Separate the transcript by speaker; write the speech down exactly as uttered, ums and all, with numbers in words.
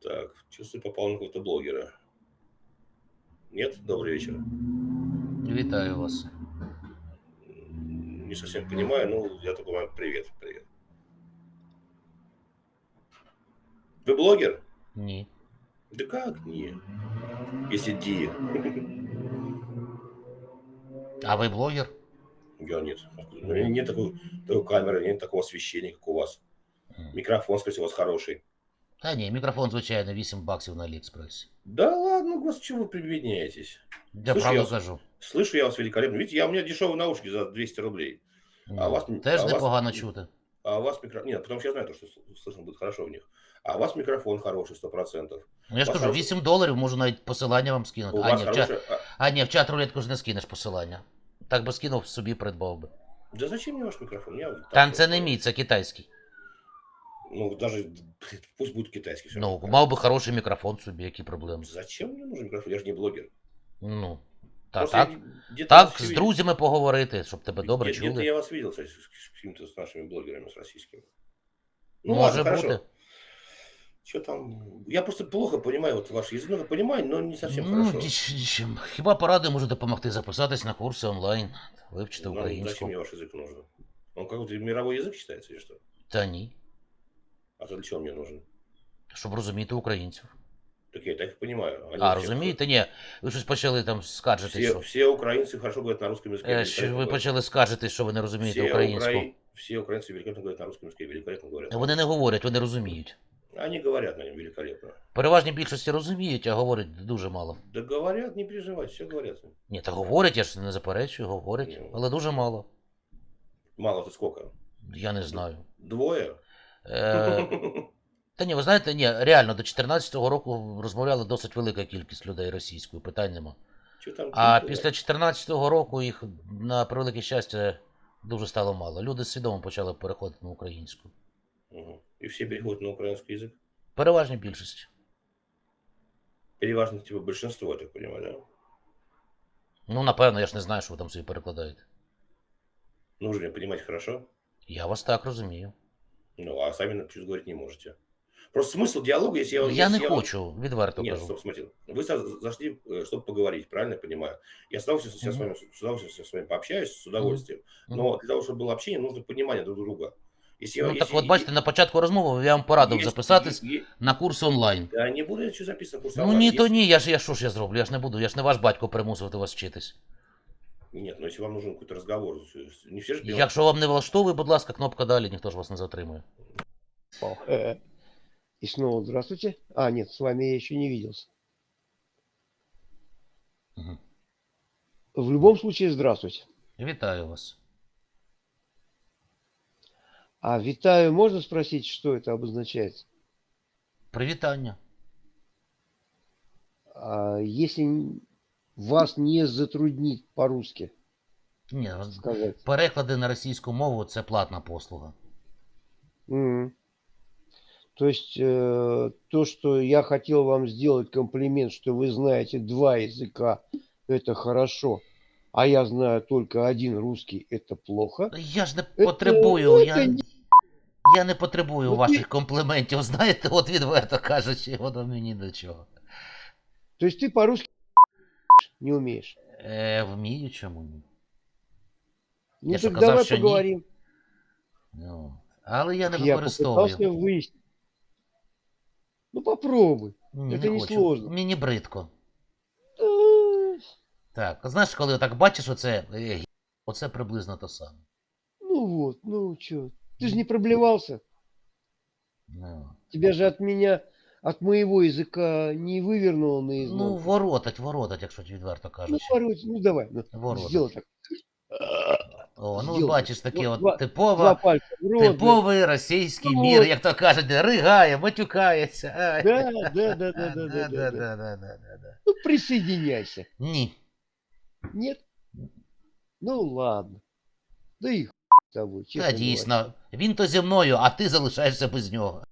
Speaker 1: Так, чувствую, попал на какого-то блогера. Нет? Добрый вечер.
Speaker 2: Вітаю вас.
Speaker 1: М, Не совсем понимаю, ну, я только понимаю, привет, привет. Вы блогер?
Speaker 2: Ні.
Speaker 1: Да как не? Если Ди.
Speaker 2: А ви блогер?
Speaker 1: Я нет. Откуда? У меня нет такой, такой камеры, нет такого освещения, как у вас.
Speaker 2: М.
Speaker 1: Микрофон, скорее всего, у вас хороший.
Speaker 2: Та ні, мікрофон, звичайно, вісім баксів на Аліекспресі.
Speaker 1: Да ладно, господи, чего вы прибедняетесь?
Speaker 2: Я
Speaker 1: Слышу я
Speaker 2: правду
Speaker 1: вас,
Speaker 2: кажу.
Speaker 1: слышу я вас великолепно. Видите, я, у меня дешевые наушники за двести рублей. А у
Speaker 2: Ну,
Speaker 1: вас, м-
Speaker 2: теж
Speaker 1: а у вас,
Speaker 2: непогано чути.
Speaker 1: а у вас микрофон... Нет, потому что я знаю, то, что с- слышно будет хорошо в них. А у вас микрофон хороший, сто процентов.
Speaker 2: Ну я
Speaker 1: У
Speaker 2: ж
Speaker 1: вас
Speaker 2: кажу,
Speaker 1: хороший...
Speaker 2: вісім доларів, можу навіть посилання вам скинути.
Speaker 1: У
Speaker 2: А
Speaker 1: вас
Speaker 2: ні, в чат,
Speaker 1: хороший... а,
Speaker 2: а, ні, в чат рулетку ж не скинеш посилання. Так би скинув, собі придбав би.
Speaker 1: Да зачем мне ваш микрофон? Я вот так
Speaker 2: Та
Speaker 1: себе
Speaker 2: це не
Speaker 1: оставлю.
Speaker 2: мій, це китайський.
Speaker 1: Ну, даже пусть будет китайский, все равно
Speaker 2: Ну,
Speaker 1: какая
Speaker 2: мав би
Speaker 1: разница.
Speaker 2: хороший мікрофон собі, які проблеми.
Speaker 1: Зачем мне нужен микрофон? Я же не блогер.
Speaker 2: Ну, та
Speaker 1: Просто я
Speaker 2: так.
Speaker 1: не- где-то вас
Speaker 2: Так,
Speaker 1: еще
Speaker 2: з
Speaker 1: видел.
Speaker 2: друзями поговорити, щоб тебе добре
Speaker 1: Где- Где-то
Speaker 2: чули.
Speaker 1: я вас видел, кстати, с с какими-то с нашими блогерами, с российскими. Ну ладно,
Speaker 2: Може бути.
Speaker 1: хорошо. Что там? Я просто плохо понимаю вот ваш язык. Ну, понимаю, но не совсем
Speaker 2: Ну,
Speaker 1: хорошо.
Speaker 2: ніч- нічим. Хіба поради може допомогти записатись на курси онлайн, вивчити
Speaker 1: Ну, зачем
Speaker 2: українську.
Speaker 1: мне ваш язык нужен? Он какой-то мировой язык считается или что?
Speaker 2: Та ні.
Speaker 1: А то для чего мне нужен?
Speaker 2: Щоб розуміти українців.
Speaker 1: Так я и так их понимаю. Они
Speaker 2: А,
Speaker 1: все,
Speaker 2: розумієте? Ні. Ви щось почали там скаржитись,
Speaker 1: все,
Speaker 2: що.
Speaker 1: все украинцы хорошо говорят на русском языке,
Speaker 2: Е, що
Speaker 1: великолепно
Speaker 2: ви
Speaker 1: говорят.
Speaker 2: почали скаржитись, що ви не розумієте
Speaker 1: Все,
Speaker 2: українську.
Speaker 1: укра... все украинцы великолепно говорят на русском языке, великолепно говорят. на
Speaker 2: Вони не
Speaker 1: русском.
Speaker 2: говорять, вони розуміють.
Speaker 1: Они говорят на нем великолепно.
Speaker 2: Переважній більшості розуміють, а говорять дуже мало.
Speaker 1: Да говорят, не переживайте, все говорят.
Speaker 2: Ні, та говорять, я ж не заперечую, говорять,
Speaker 1: Ну.
Speaker 2: але дуже мало.
Speaker 1: Мало это сколько?
Speaker 2: Я не знаю.
Speaker 1: Двое?
Speaker 2: Е, Та ні, ви знаєте, ні, реально, до чотирнадцятого року розмовляла досить велика кількість людей російською, питань нема.
Speaker 1: Что там?
Speaker 2: А
Speaker 1: культура?
Speaker 2: після чотирнадцятого року їх, на превелике щастя, дуже стало мало. Люди свідомо почали переходити на українську.
Speaker 1: Мгм. И все переходят на украинский язык?
Speaker 2: Переважній більшості.
Speaker 1: Переважно, типа, большинство, я так понимаю, да?
Speaker 2: Ну, напевно, я ж не знаю, що ви там собі перекладаєте.
Speaker 1: Нужно ли понимать хорошо?
Speaker 2: Я вас так розумію.
Speaker 1: Ну, а сами чуть говорить не можете. Просто смысл диалога, если я...
Speaker 2: Я
Speaker 1: если
Speaker 2: не
Speaker 1: я вам-
Speaker 2: хочу, відверто
Speaker 1: Нет,
Speaker 2: кажу.
Speaker 1: стоп, смотрите. Вы за- зашли, чтобы поговорить, правильно я понимаю? Я с удовольствием, сейчас с
Speaker 2: Мгм.
Speaker 1: вами, с удовольствием с вами пообщаюсь, с удовольствием.
Speaker 2: Мгм.
Speaker 1: Но для того, чтобы было общение, нужно понимание друг друга. Если, я-
Speaker 2: Ну, так
Speaker 1: если-
Speaker 2: от бачите, на початку розмови я вам порадив
Speaker 1: есть-
Speaker 2: записатись
Speaker 1: е- е-
Speaker 2: на курс онлайн.
Speaker 1: Да не буду я что записано курс
Speaker 2: Ну
Speaker 1: онлайн.
Speaker 2: ні, то
Speaker 1: Если-
Speaker 2: ні, я ж я що ж я зроблю, я ж не буду, я ж не ваш батько примусувати вас вчитись.
Speaker 1: Нет, ну если вам нужен какой-то разговор, не все же понимают.
Speaker 2: Якщо вам не влаштовує, будь ласка, кнопка далі, ніхто ж вас не затримує.
Speaker 3: Э, И снова здравствуйте. А, нет, с вами я еще не виделся.
Speaker 2: Мгм.
Speaker 3: В любом случае, здравствуйте.
Speaker 2: Вітаю вас.
Speaker 3: А витаю, можно спросить, что это обозначает?
Speaker 2: Привітання.
Speaker 3: А если н- вас не затруднит по-русски
Speaker 2: Ні,
Speaker 3: сказать?
Speaker 2: переклади на російську мову це платна послуга.
Speaker 3: М. То есть э, то, что я хотел вам сделать комплимент, что вы знаете два языка, это хорошо, а я знаю только один русский, это плохо.
Speaker 2: Я ж не
Speaker 3: Це-
Speaker 2: потребую, я,
Speaker 3: це ні.
Speaker 2: я не потребую
Speaker 3: Ну,
Speaker 2: ваших
Speaker 3: ти-
Speaker 2: компліментів, знаєте, от відверто кажучи, воно мені до чого.
Speaker 3: То есть ты по-русски не умеешь?
Speaker 2: Е, вмію, чому ні.
Speaker 3: Ну
Speaker 2: Я що,
Speaker 3: так
Speaker 2: казав,
Speaker 3: давай
Speaker 2: що ні?
Speaker 3: поговорим.
Speaker 2: Ну, але я не
Speaker 3: Я
Speaker 2: використовую.
Speaker 3: попытался выяснить. Ну попробуй.
Speaker 2: Ні,
Speaker 3: это
Speaker 2: не
Speaker 3: не
Speaker 2: хочу.
Speaker 3: сложно.
Speaker 2: Мені бридко.
Speaker 3: Э,
Speaker 2: Так, знаєш, коли так бачиш оце, е, гі- оце приблизно то саме.
Speaker 3: Ну вот, ну чё. Ты же не проблевался.
Speaker 2: Ну,
Speaker 3: Тебя же от меня, от моего языка не вывернуло
Speaker 2: ну
Speaker 3: наизнанку.
Speaker 2: воротать, воротать, якщо відверто
Speaker 3: Ну,
Speaker 2: кажучи.
Speaker 3: порой, ну давай, ну,
Speaker 2: Воротать.
Speaker 3: сделай так.
Speaker 2: О, ну
Speaker 3: Сделай.
Speaker 2: бачиш, таке
Speaker 3: Вот
Speaker 2: от
Speaker 3: два- Два
Speaker 2: типова,
Speaker 3: пальца в рот. да.
Speaker 2: типовий російський
Speaker 3: Ну,
Speaker 2: мір,
Speaker 3: от.
Speaker 2: як то кажуть, ригає, матюкається. Ай.
Speaker 3: Да, да, да, да, да, да, да, да.
Speaker 2: Да-да-да-да-да-да.
Speaker 3: Ну присоединяйся.
Speaker 2: Ні.
Speaker 3: Нет? Ну ладно. Да и хуй с тобой, честно
Speaker 2: Та
Speaker 3: говоря.
Speaker 2: дійсно, він то зі мною, а ти залишаєшся без нього.